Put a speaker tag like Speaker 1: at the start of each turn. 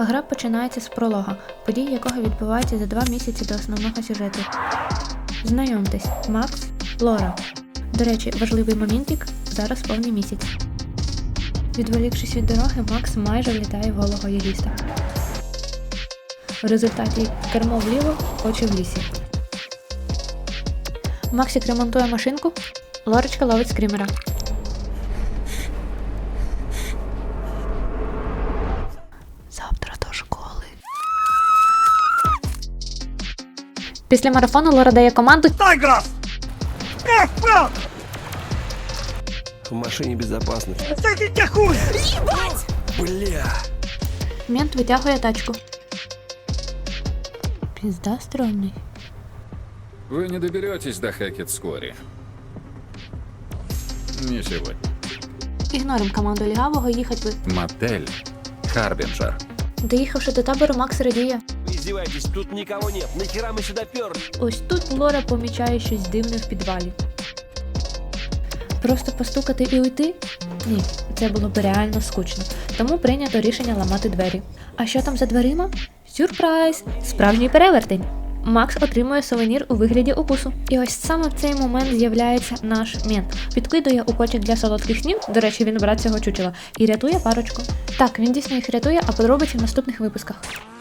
Speaker 1: Гра починається з пролога, події якого відбуваються за 2 місяці до основного сюжету. Знайомтесь, Макс, Лора. До речі, важливий моментик, зараз повний місяць. Відволікшись від дороги, Макс майже влітає в голого юриста. В результаті кермо вліво, очі в лісі. Максик ремонтує машинку, Лорочка ловить скримера. Завтра до школи. Після марафону Лора дає команду
Speaker 2: Тайграс!
Speaker 3: В машине безопасно.
Speaker 2: Садите хуй!
Speaker 3: Бля!
Speaker 1: Мент витягує тачку. Пізда стрёмний.
Speaker 4: Вы не доберетесь до Хэкетскори. Не сегодня.
Speaker 1: Ігнорим команду лігавого, їхать ви.
Speaker 4: Мотель Харбинджер.
Speaker 1: Доїхавши до табору, Макс радіє.
Speaker 3: Вы издеваетесь, тут никого нет. Нахера мы сюда перли?
Speaker 1: Ось тут Лора помічає щось дивне в підвалі. Просто постукати і уйти? Ні, це було б реально скучно. Тому прийнято рішення ламати двері. А що там за дверима? Сюрприз! Справжній перевертень! Макс отримує сувенір у вигляді укусу. І ось саме в цей момент з'являється наш мент. Підкидує у кошик для солодких снів, до речі, він брат цього чучела, і рятує парочку. Так, він дійсно їх рятує, а подробиці в наступних випусках.